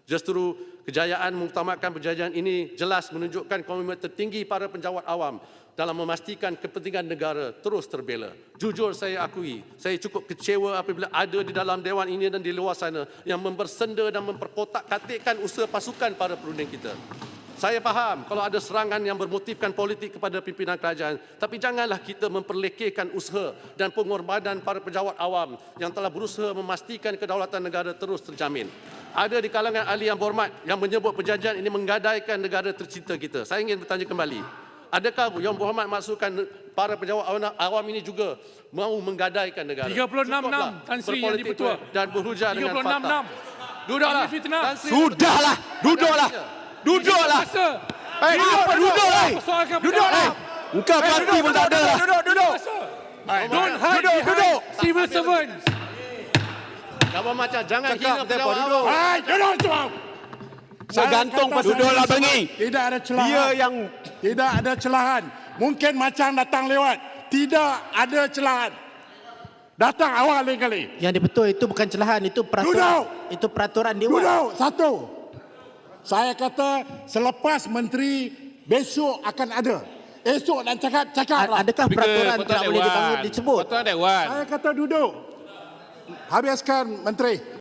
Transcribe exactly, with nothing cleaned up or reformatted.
Justru kejayaan mengutamakan perjanjian ini jelas menunjukkan komitmen tertinggi para penjawat awam dalam memastikan kepentingan negara terus terbela. Jujur saya akui, saya cukup kecewa apabila ada di dalam Dewan ini dan di luar sana yang membersenda dan memperkotak-katikkan usaha pasukan para perunding kita. Saya faham kalau ada serangan yang bermotifkan politik kepada pimpinan kerajaan, tapi janganlah kita memperlekehkan usaha dan pengorbanan para pejabat awam yang telah berusaha memastikan kedaulatan negara terus terjamin. Ada di kalangan ahli yang berhormat yang menyebut perjanjian ini menggadaikan negara tercinta kita. Saya ingin bertanya kembali, adakah Yang Berhormat maksudkan para pejabat awam ini juga mahu menggadaikan negara? tiga puluh enam enam Tan Sri yang dipertua dan berhujah dengan fakta. Duduklah. Sudahlah, duduklah. Duduklah. Eh, apa duduklah? Duduklah. Engkau parti pun tak ada lah. Duduk, duduk. Don't hide behind civil servants. Kamu macam jangan hina pejabat awam. Hai, duduk semua. Saya gantung pas duduklah bengi. Tidak ada celahan. Dia yang Tidak ada celahan. Mungkin macam datang lewat. Tidak ada celahan. Datang awal lain kali. Yang dibetul itu bukan celahan, itu peraturan. Duduk. Itu peraturan dewan. Duduk. Satu. Saya kata selepas menteri besok akan ada. Esok dan cakap, cakaplah. Adakah peraturan tidak boleh dipanggil disebut? Peraturan Dewan. Saya kata duduk. Habiskan menteri.